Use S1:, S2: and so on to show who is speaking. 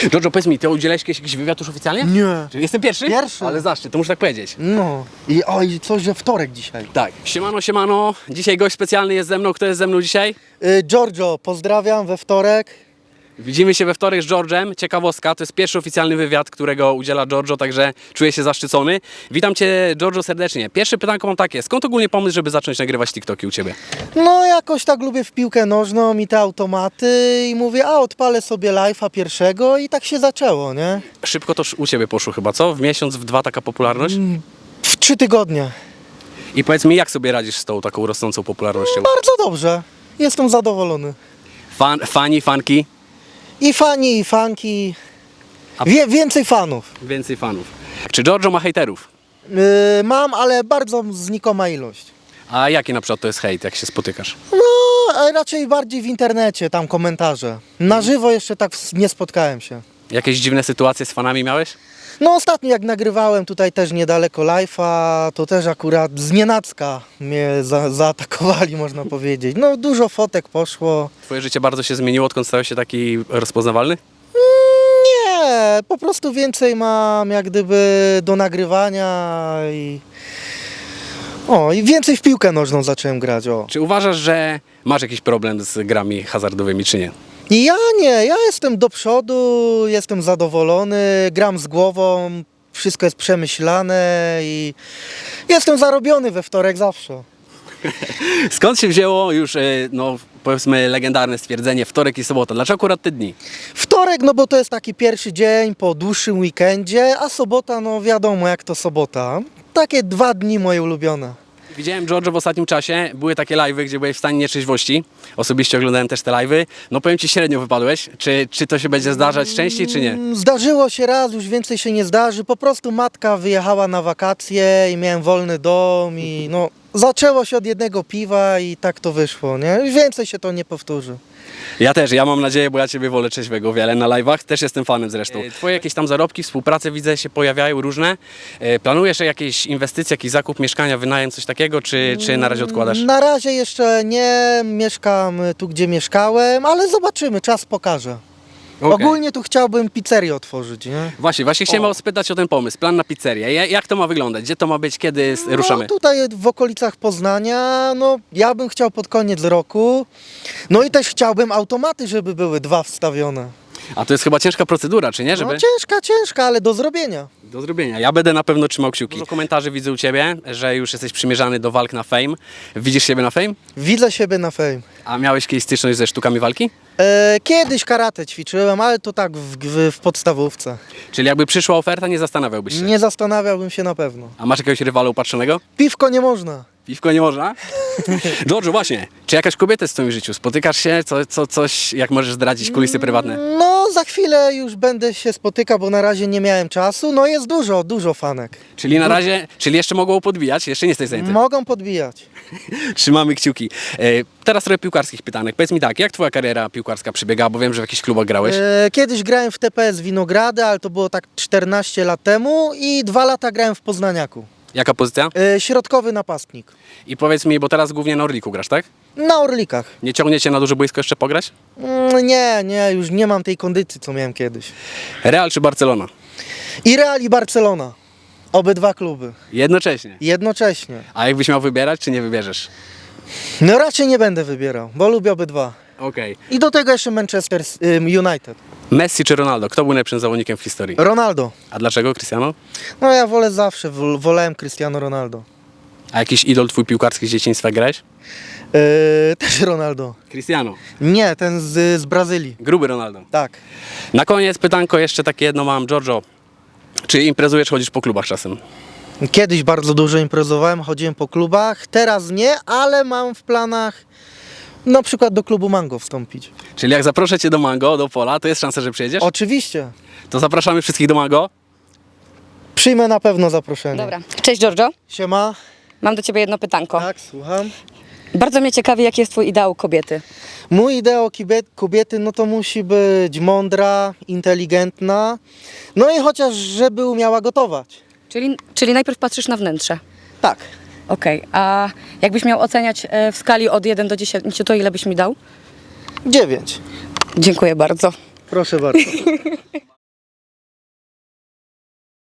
S1: Giorgio, powiedz mi, ty udzielałeś jakiś wywiad już oficjalnie?
S2: Nie.
S1: Czy jestem pierwszy?
S2: Pierwszy.
S1: Ale zaszczyt, to muszę tak powiedzieć.
S2: No. I coś, że wtorek dzisiaj.
S1: Tak. Siemano, siemano. Dzisiaj gość specjalny jest ze mną. Kto jest ze mną dzisiaj?
S2: Giorgio, pozdrawiam we wtorek.
S1: Widzimy się we wtorek z George'em. Ciekawostka, to jest pierwszy oficjalny wywiad, którego udziela Giorgio, także czuję się zaszczycony. Witam Cię, Giorgio, serdecznie. Pierwsze pytanko mam takie. Skąd ogólnie pomysł, żeby zacząć nagrywać TikToki u Ciebie?
S2: No jakoś tak lubię w piłkę nożną i te automaty i mówię, odpalę sobie live'a pierwszego i tak się zaczęło, nie?
S1: Szybko to u Ciebie poszło chyba, co? W miesiąc, w dwa taka popularność?
S2: W 3 tygodnie.
S1: I powiedz mi, jak sobie radzisz z tą taką rosnącą popularnością?
S2: Bardzo dobrze. Jestem zadowolony.
S1: Fani, fanki?
S2: I fani, i fanki. Więcej fanów.
S1: Więcej fanów. Czy Giorgio ma hejterów?
S2: Mam, ale bardzo znikoma ilość.
S1: A jaki na przykład to jest hejt, jak się spotykasz?
S2: No, raczej bardziej w internecie, tam komentarze. Na żywo jeszcze tak nie spotkałem się.
S1: Jakieś dziwne sytuacje z fanami miałeś?
S2: No ostatnio jak nagrywałem tutaj też niedaleko live'a, to też akurat znienacka mnie zaatakowali, można powiedzieć. No dużo fotek poszło.
S1: Twoje życie bardzo się zmieniło, odkąd stałeś się taki rozpoznawalny?
S2: Nie, po prostu więcej mam jak gdyby do nagrywania i więcej w piłkę nożną zacząłem grać,
S1: Czy uważasz, że masz jakiś problem z grami hazardowymi, czy nie?
S2: I ja jestem do przodu, jestem zadowolony, gram z głową, wszystko jest przemyślane i jestem zarobiony we wtorek zawsze.
S1: Skąd się wzięło już, no powiedzmy, legendarne stwierdzenie wtorek i sobota? Dlaczego akurat te dni?
S2: Wtorek, no bo to jest taki pierwszy dzień po dłuższym weekendzie, a sobota, no wiadomo jak to sobota. Takie 2 dni moje ulubione.
S1: Widziałem, Giorgio, w ostatnim czasie były takie live'y, gdzie byłeś w stanie nietrzeźwości. Osobiście oglądałem też te live'y. No powiem Ci, średnio wypadłeś. Czy to się będzie zdarzać częściej, czy nie?
S2: Zdarzyło się raz, już więcej się nie zdarzy. Po prostu matka wyjechała na wakacje i miałem wolny dom i no zaczęło się od jednego piwa i tak to wyszło, nie? Więcej się to nie powtórzy.
S1: Ja też, ja mam nadzieję, bo ja Ciebie wolę trzeźwego wiele na live'ach. Też jestem fanem zresztą. Twoje jakieś tam zarobki, współprace widzę się pojawiają różne. Planujesz jakieś inwestycje, jakiś zakup mieszkania, wynajem, coś takiego, czy na razie odkładasz?
S2: Na razie jeszcze nie mieszkam tu, gdzie mieszkałem, ale zobaczymy, czas pokaże.
S1: Okej.
S2: Ogólnie tu chciałbym pizzerię otworzyć, nie?
S1: Właśnie chciałem spytać o ten pomysł, plan na pizzerię. Jak to ma wyglądać? Gdzie to ma być? Kiedy ruszamy?
S2: No tutaj w okolicach Poznania, no ja bym chciał pod koniec roku. No i też chciałbym automaty, żeby były 2 wstawione.
S1: A to jest chyba ciężka procedura, czy nie? Żeby...
S2: No ciężka, ale do zrobienia.
S1: Do zrobienia. Ja będę na pewno trzymał kciuki. Dużo komentarzy widzę u Ciebie, że już jesteś przymierzany do walk na Fame. Widzisz siebie na Fame?
S2: Widzę siebie na Fame.
S1: A miałeś kiedyś styczność ze sztukami walki?
S2: Kiedyś karate ćwiczyłem, ale to tak w podstawówce.
S1: Czyli jakby przyszła oferta, nie zastanawiałbyś się?
S2: Nie zastanawiałbym się na pewno.
S1: A masz jakiegoś rywala upatrzonego?
S2: Piwko nie można.
S1: Piwko nie można? Giorgio, właśnie. Czy jakaś kobieta jest w twoim życiu? Spotykasz się? Coś, jak możesz zdradzić kulisy prywatne?
S2: No za chwilę już będę się spotykał, bo na razie nie miałem czasu. No jest dużo fanek.
S1: Czyli na razie, czyli jeszcze mogą podbijać? Jeszcze nie jesteś zajęty?
S2: Mogą podbijać.
S1: Trzymamy kciuki. Teraz trochę piłkarskich pytanek. Powiedz mi tak, jak twoja kariera piłkarska przebiegała? Bo wiem, że w jakichś klubach grałeś.
S2: Kiedyś grałem w TPS Winogrady, ale to było tak 14 lat temu i 2 lata grałem w Poznaniaku.
S1: Jaka pozycja?
S2: Środkowy napastnik.
S1: I powiedz mi, bo teraz głównie na Orliku grasz, tak?
S2: Na Orlikach.
S1: Nie ciągnie cię na duże boisko jeszcze pograć?
S2: Nie, już nie mam tej kondycji, co miałem kiedyś.
S1: Real czy Barcelona?
S2: I Real i Barcelona. Obydwa kluby.
S1: Jednocześnie.
S2: Jednocześnie.
S1: A jakbyś miał wybierać, czy nie wybierzesz?
S2: No raczej nie będę wybierał, bo lubię obydwa.
S1: Okej.
S2: I do tego jeszcze Manchester United.
S1: Messi czy Ronaldo? Kto był najlepszym zawodnikiem w historii?
S2: Ronaldo.
S1: A dlaczego Cristiano?
S2: No ja wolałem Cristiano Ronaldo.
S1: A jakiś idol twój piłkarski z dzieciństwa grałeś?
S2: Też Ronaldo.
S1: Cristiano.
S2: Nie, ten z Brazylii.
S1: Gruby Ronaldo.
S2: Tak.
S1: Na koniec pytanko jeszcze takie jedno mam. Giorgio, czy imprezujesz, chodzisz po klubach czasem?
S2: Kiedyś bardzo dużo imprezowałem, chodziłem po klubach, teraz nie, ale mam w planach na przykład do klubu Mango wstąpić.
S1: Czyli jak zaproszę cię do Mango, do Pola, to jest szansa, że przyjedziesz?
S2: Oczywiście.
S1: To zapraszamy wszystkich do Mango.
S2: Przyjmę na pewno zaproszenie.
S3: Dobra. Cześć Giorgio,
S2: Siema.
S3: mam do Ciebie jedno pytanko.
S2: Tak, słucham.
S3: Bardzo mnie ciekawi, jaki jest Twój ideał kobiety.
S2: Mój ideał kobiety, no to musi być mądra, inteligentna, no i chociaż żeby umiała gotować.
S3: Czyli najpierw patrzysz na wnętrze.
S2: Tak.
S3: Okej, a jakbyś miał oceniać w skali od 1 do 10, to ile byś mi dał?
S2: 9.
S3: Dziękuję bardzo.
S2: Proszę bardzo.